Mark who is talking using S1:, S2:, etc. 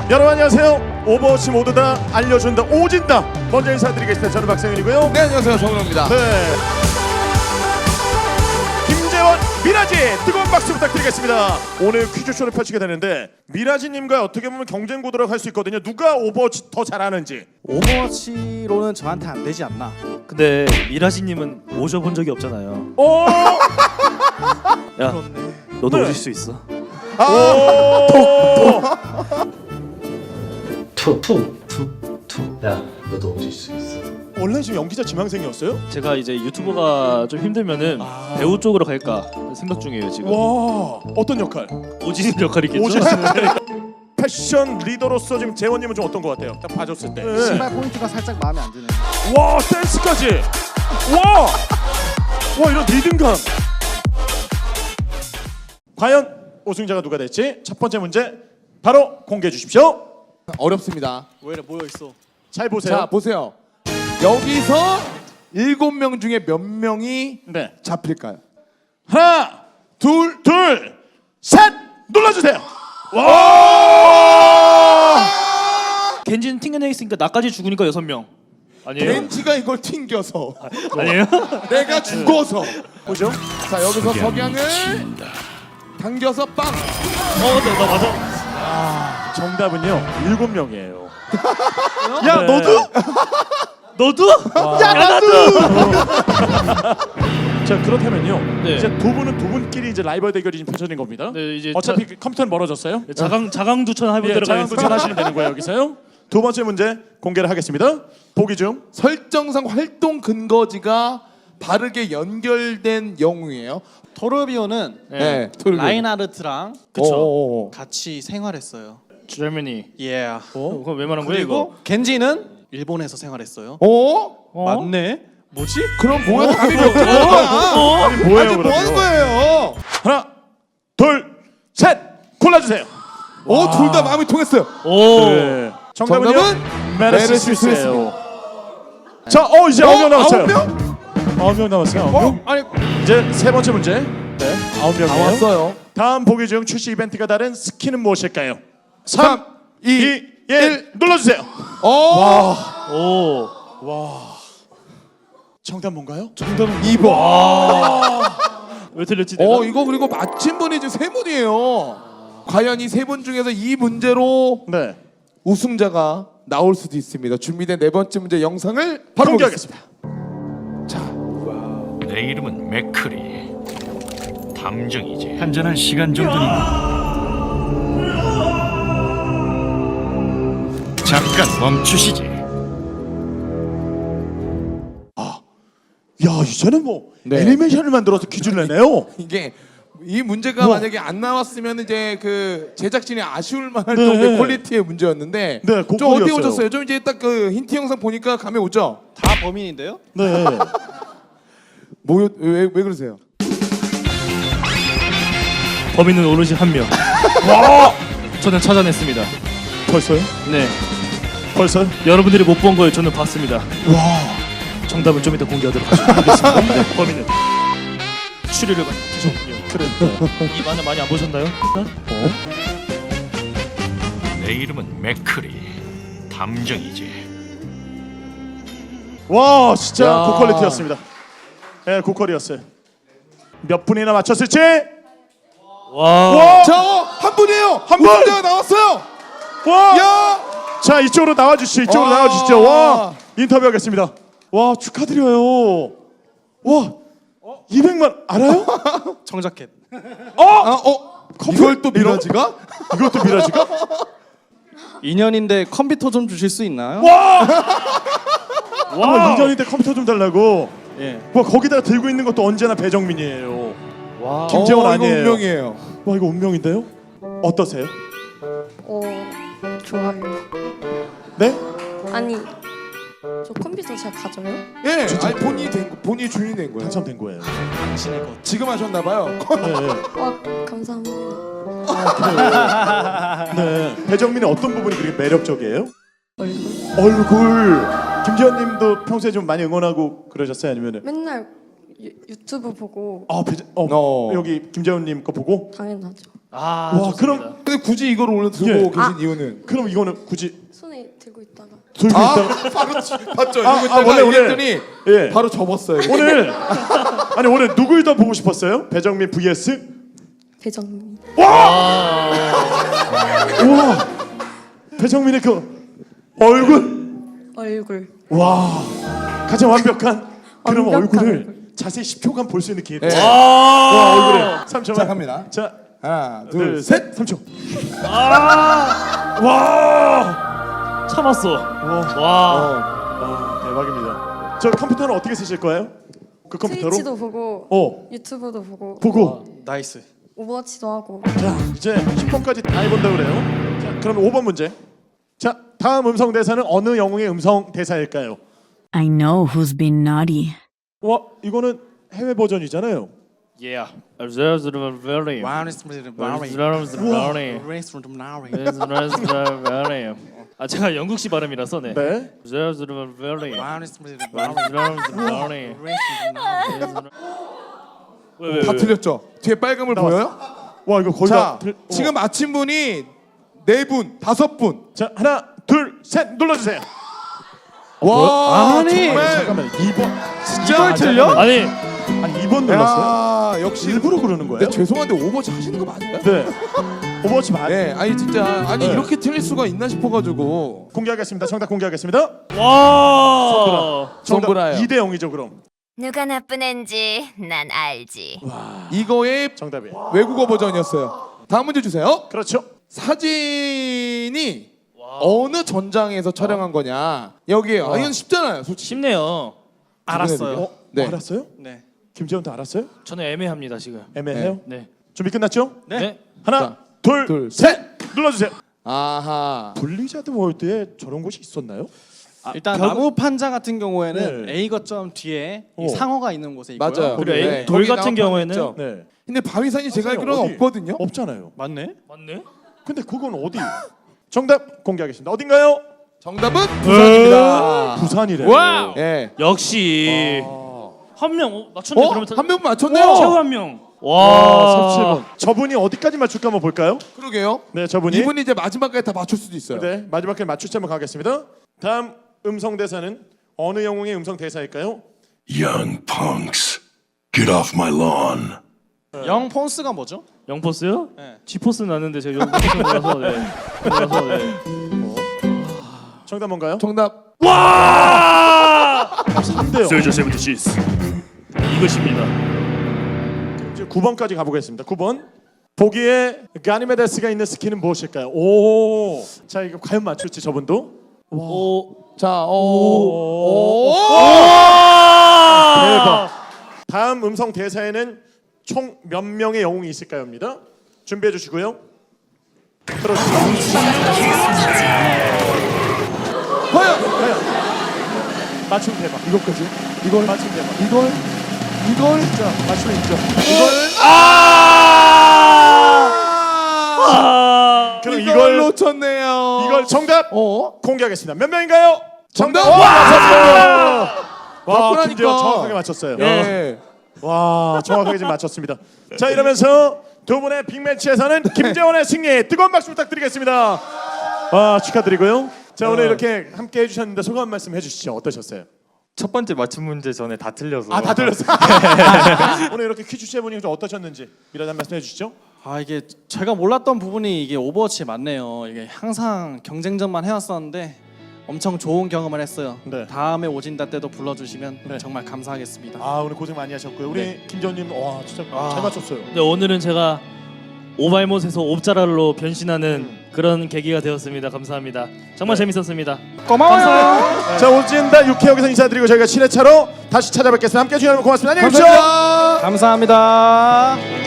S1: 여러분 안녕하세요. 오버워치 모두 다 알려준다 오진다. 먼저 인사드리겠습니다. 저는 박상현이고요.
S2: 네, 안녕하세요. 정우영입니다.
S1: 네. 김재원, 미라지 뜨거운 박수 부탁드리겠습니다. 오늘 퀴즈쇼를 펼치게 되는데 미라지님과 어떻게 보면 경쟁 구도라고 할 수 있거든요. 누가 오버워치 더 잘하는지.
S3: 오버워치로는 저한테 안 되지 않나.
S4: 근데 미라지님은 오셔본 적이 없잖아요.
S1: 오!
S4: 야, 너도
S1: 네.
S4: 오실 수 있어.
S5: 야, 너도 오실 수 있어.
S1: 원래 지금 연기자 지망생이었어요?
S4: 제가 이제 유튜버가 좀 힘들면은 배우 쪽으로 갈까 생각 중이에요 지금.
S1: 와, 어떤 역할?
S4: 오지는 역할이겠죠.
S1: 오진 패션 리더로서 지금 재원님은 좀 어떤 것 같아요? 딱 봐줬을 때. 네.
S3: 신발 포인트가 살짝 마음에 안 드네요.
S1: 와, 댄스까지. 와 이런 리듬감. 과연 우승자가 누가 될지 첫 번째 문제 바로 공개해 주십시오.
S2: 어렵습니다.
S3: 왜 이래 모여 있어?
S1: 잘 보세요.
S2: 자, 보세요. 여기서 7명 중에 몇 명이
S1: 네.
S2: 잡힐까요?
S1: 하나, 둘, 셋 눌러주세요. 와!
S4: 겐지는 튕겨내 있으니까 나까지 죽으니까 6명. 아니에요?
S2: 벤치가 이걸 튕겨서
S4: 아니에요?
S2: 내가 죽어서.
S1: 보죠.
S2: 자, 여기서 석양을 당겨서 빵.
S4: 나 맞아.
S1: 정답은요 7명이에요.
S4: 야,
S1: 네.
S4: 너도?
S1: 야 나도. 자 그렇다면요.
S4: 네.
S1: 이제 두 분끼리 이제 라이벌 대결이 지금 펼쳐진 겁니다.
S4: 네, 이제
S1: 어차피 컴퓨터는 멀어졌어요.
S4: 자강두천 하면
S1: 예,
S4: 들어가겠습니다.
S1: 자양두천 하시면 되는 거예요 여기서요. 두 번째 문제 공개를 하겠습니다. 보기 중
S2: 설정상 활동 근거지가 바르게 연결된 영웅이에요.
S3: 토르비오는
S2: 네.
S3: 라인하르트랑
S4: 그쵸.
S3: 같이 생활했어요.
S4: 제르머니.
S3: 예.
S4: 그거 왜 말한 거예요 이거?
S3: 그리고 겐지는 일본에서 생활했어요.
S2: 맞네.
S3: 뭐지?
S2: 그럼 뭐야? 답이 몇 개야?
S1: 아니 뭐예요
S2: 아니, 뭐
S1: 그러면?
S2: 하는 거예요?
S1: 하나, 둘, 셋 골라주세요.
S2: 둘 다 마음이 통했어요.
S4: 오.
S1: 네. 정답은요?
S2: 정답은
S1: 메르시스예요. 자, 이제 9명 남았어요. 9명 남았어요. 9명.
S2: 아니,
S1: 이제 세 번째 문제. 네, 9명이에요.
S2: 다 왔어요.
S1: 다음 보기 중 출시 이벤트가 다른 스킨은 무엇일까요? 3,
S2: 3,
S1: 2, 1 눌러주세요.
S4: 오.
S1: 정답 뭔가요?
S4: 정답은
S2: 2번.
S4: 왜 틀렸지 내가?
S2: 이거 그리고 맞힌 분이 지금 세 분이에요. 과연 이 세 분 중에서 이 문제로
S1: 네,
S2: 우승자가 나올 수도 있습니다. 준비된 네 번째 문제 영상을 바로
S1: 공개하겠습니다.
S6: 내 이름은 맥크리. 담정이지. 한잔할 시간 정도니까. 잠깐 멈추시지.
S1: 야, 이제는 뭐
S2: 네.
S1: 애니메이션을 만들어서 퀴즈를 내네요.
S2: 이게 이 문제가
S1: 우와.
S2: 만약에 안 나왔으면 이제 그 제작진이 아쉬울 만한
S1: 네.
S2: 정도의 퀄리티의 문제였는데
S1: 네,
S2: 좀
S1: 고퀄이었어요.
S2: 어떻게 오셨어요? 좀 이제 딱 그 힌트 영상 보니까 감이 오죠?
S3: 다 범인인데요?
S1: 네.
S2: 왜 그러세요?
S4: 범인은 오롯이 한 명. 저는 찾아냈습니다.
S1: 벌써요?
S4: 네.
S1: 벌써요?
S4: 여러분들이 못 본 걸 저는 봤습니다. 정답을 좀 이따 공개하도록 하겠습니다. 네, 범인은 추리를 하셨군요.
S1: 그래.
S4: 이 만화 많이 안 보셨나요?
S6: 내 이름은 맥크리. 담정이지.
S1: 와, 진짜
S2: 야.
S1: 고퀄리티였습니다. 네, 고퀄이었어요. 몇 분이나 맞췄을지?
S4: 와.
S2: 한 분이에요.
S1: 한 분!
S2: 우승자가 나왔어요.
S1: 와!
S2: 야!
S1: 자, 이쪽으로 나와주시죠. 이쪽으로
S2: 와.
S1: 나와주시죠. 와, 인터뷰하겠습니다. 와, 축하드려요. 와, 200만 알아요?
S3: 청자켓.
S2: 이걸 또 미라지가?
S1: 이것도 미라지가?
S3: 2년인데 컴퓨터 좀 주실 수 있나요?
S1: 와, 2년인데 컴퓨터 좀 달라고.
S3: 예.
S1: 와, 거기다가 들고 있는 것도 언제나 배정민이에요.
S3: 와.
S1: 김재원 아니에요.
S2: 이거 운명이에요.
S1: 와, 이거 운명인데요? 어떠세요?
S7: 좋아요.
S1: 네?
S7: 아니, 저 컴퓨터 잘 가져요?
S2: 예, 아니 본인이 주인이 된 거예요.
S1: 당첨된 거예요.
S3: 당신의 것.
S2: 지금 하셨나 봐요.
S1: 네.
S7: 와, 감사합니다.
S1: 네. 배정민의 어떤 부분이 그렇게 매력적이에요?
S7: 얼굴.
S1: 얼굴. 김재현님도 평소에 좀 많이 응원하고 그러셨어요? 아니면은?
S7: 맨날 유튜브 보고
S1: 아, 여기 김재현님 거 보고?
S7: 당연하죠.
S4: 아,
S1: 와,
S4: 좋습니다.
S1: 그럼
S2: 근데 굳이 이걸 오늘 들고
S1: 예.
S2: 계신 이유는?
S1: 그럼 이거는 굳이
S7: 손에 들고 있다가
S1: 들고
S2: 아,
S1: 있다.
S2: 바로 봤죠.
S1: 아,
S2: 이거
S1: 아, 원래 오늘-
S2: 이랬더니
S1: 예.
S2: 바로 접었어요.
S1: 오늘 아니 오늘 누굴 더 보고 싶었어요? 배정민 vs
S7: 배정민.
S1: 우와 배정민의 그 얼굴 와 가장 완벽한 그런
S7: 완벽한
S1: 얼굴을
S7: 얼굴.
S1: 자세히 10초간 볼 수 있는 기회.
S2: 네.
S1: 와 얼굴에 3초만.
S2: 자, 갑니다.
S1: 자
S2: 하나,
S1: 둘,
S2: 둘,
S1: 셋 3초. 와
S4: 참았어. 와.
S1: 대박입니다. 저 컴퓨터는 어떻게 쓰실 거예요? 그 컴퓨터로?
S7: 트위치도 보고 유튜브도 보고
S1: 보고
S3: 나이스.
S7: 오버워치도 하고.
S1: 자 이제 10번까지 다 해본다 그래요. 자 그럼 5번 문제. 자 다음 음성 대사는 어느 영웅의 음성 대사일까요?
S5: I know who's been naughty.
S1: 와 이거는 해외 버전이잖아요.
S4: Yeah. very. 아 제가 영국식 발음이라서 네.
S1: 네.
S4: 왜?
S2: 다 틀렸죠. 뒤에 빨간불
S1: 나왔어.
S2: 보여요?
S1: 와 이거 거의
S2: 자,
S1: 다
S2: 지금 맞힌 분이 4분, 5분.
S1: 자 하나 둘 셋 눌러주세요.
S2: 와,
S3: 아니,
S2: 정말.
S1: 잠깐만 2번
S3: 이걸 틀려?
S4: 아니
S1: 아니 2번 눌렀어요?
S2: 야, 역시
S1: 일부러 그러는 거예요?
S2: 네, 죄송한데 오버워치 하시는 거 맞아요?
S1: 네. 오버워치 맞.
S2: 네, 아니 진짜 아니
S1: 네.
S2: 이렇게 틀릴 수가 있나 싶어가지고.
S1: 공개하겠습니다. 정답 공개하겠습니다.
S4: 와.
S1: 정답
S2: 정보라요.
S1: 2대 0이죠 그럼.
S8: 누가 나쁜 앤지 난 알지.
S2: 이거의
S1: 정답이.
S2: 외국어 버전이었어요. 다음 문제 주세요.
S1: 그렇죠.
S2: 사진이 어느 전장에서 촬영한 거냐? 여기에요. 아, 이건 쉽잖아요, 솔직히.
S4: 쉽네요.
S3: 알았어요.
S2: 네.
S1: 알았어요?
S3: 네.
S1: 김재원도 알았어요?
S4: 저는 애매합니다 지금.
S1: 애매해요?
S4: 네.
S1: 준비 끝났죠?
S4: 네.
S1: 하나
S2: 자,
S1: 둘,
S2: 둘,
S1: 셋 눌러주세요.
S2: 아하.
S1: 블리자드 월드에 저런 곳이 있었나요?
S3: 일단 나무 판자 같은 경우에는
S1: 네.
S3: A 거점 뒤에 이
S1: 어.
S3: 상어가 있는 곳에 있고요.
S2: 맞아요.
S4: 그리고
S2: 네.
S4: 돌
S2: 거기
S4: 같은
S2: 나무
S4: 경우에는
S2: 있죠.
S1: 네.
S2: 근데 바위산이 제가 알기로는
S1: 어디?
S2: 없거든요.
S1: 없잖아요.
S3: 맞네.
S4: 맞네.
S1: 근데 그건 어디? 정답 공개하겠습니다. 어딘가요?
S2: 정답은 부산입니다.
S1: 부산이래.
S4: 와우.
S2: 예.
S4: 역시 한 명 맞췄네. 그러면
S2: 한 명 맞췄네요.
S4: 최후 한 명.
S1: 와,
S4: 와.
S1: 37번. 저분이 어디까지 맞출까 한번 볼까요?
S2: 그러게요.
S1: 네, 저분이.
S2: 이분이 이제 마지막까지 다 맞출 수도 있어요.
S1: 네, 마지막에 맞출지 한번 가겠습니다. 다음 음성 대사는 어느 영웅의 음성 대사일까요?
S9: Young punks, get off my lawn.
S3: 영 폰스가 뭐죠?
S4: 영포스요?
S3: 네.
S4: G포스 나는데 제가 영포스 몰라서 네. 몰라서 네.
S1: 정답 뭔가요?
S2: 정답.
S4: 와!
S1: 3대요.
S4: 세이저 세븐티시스. 이것입니다.
S1: 이제 9번까지 가보겠습니다. 9번. 보기에 가니메데스가 있는 스킨은 무엇일까요? 오. 자, 이거 과연 맞출지 저분도?
S4: 오.
S2: 자,
S1: 오.
S4: 와!
S1: 대박. 다음 음성 대사에는 총 몇 명의 영웅이 있을까요?입니다. 준비해 주시고요. 들어주세요.
S2: 과연
S1: 맞춤 대박. 이것까지?
S2: 이걸
S1: 맞춤 대박.
S2: 이걸
S1: 자, 맞춤 있죠. 그럼
S2: 이걸
S1: 이걸
S2: 놓쳤네요.
S1: 이걸 정답
S2: 어?
S1: 공개하겠습니다. 몇 명인가요?
S2: 정답!
S1: 와,
S2: 와!
S1: 와,
S2: 맞구나니까.
S1: 김재원 정확하게 맞췄어요.
S2: 예.
S1: 와, 정확하게 지금 맞췄습니다. 자, 이러면서 두 분의 빅매치에서는 김재원의 승리 뜨거운 박수 부탁드리겠습니다. 와, 축하드리고요. 자, 오늘 이렇게 함께 해주셨는데 소감 말씀 해주시죠. 어떠셨어요?
S10: 첫 번째 맞춤 문제 전에 다 틀려서
S1: 아, 다 들렸어요. 오늘 이렇게 퀴즈 해보니 좀 어떠셨는지 미라도 한 말씀 해주시죠.
S3: 아 이게 제가 몰랐던 부분이 이게 오버워치 맞네요. 이게 항상 경쟁전만 해왔었는데 엄청 좋은 경험을 했어요.
S1: 네.
S3: 다음에 오진다 때도 불러주시면
S1: 네.
S3: 정말 감사하겠습니다.
S1: 아, 오늘 고생 많이 하셨고요. 우리 김재원님, 와, 진짜 잘 맞췄어요.
S4: 네, 오늘은 제가 오발못에서 옵자랄로 변신하는 그런 계기가 되었습니다. 감사합니다. 정말 재밌었습니다.
S3: 고마워요.
S1: 자, 오진다 6회 여기서 인사드리고 저희가 7회차로 다시 찾아뵙겠습니다. 함께 해주셔서 고맙습니다. 안녕히 계십시오.
S2: 감사합니다.
S3: 감사합니다.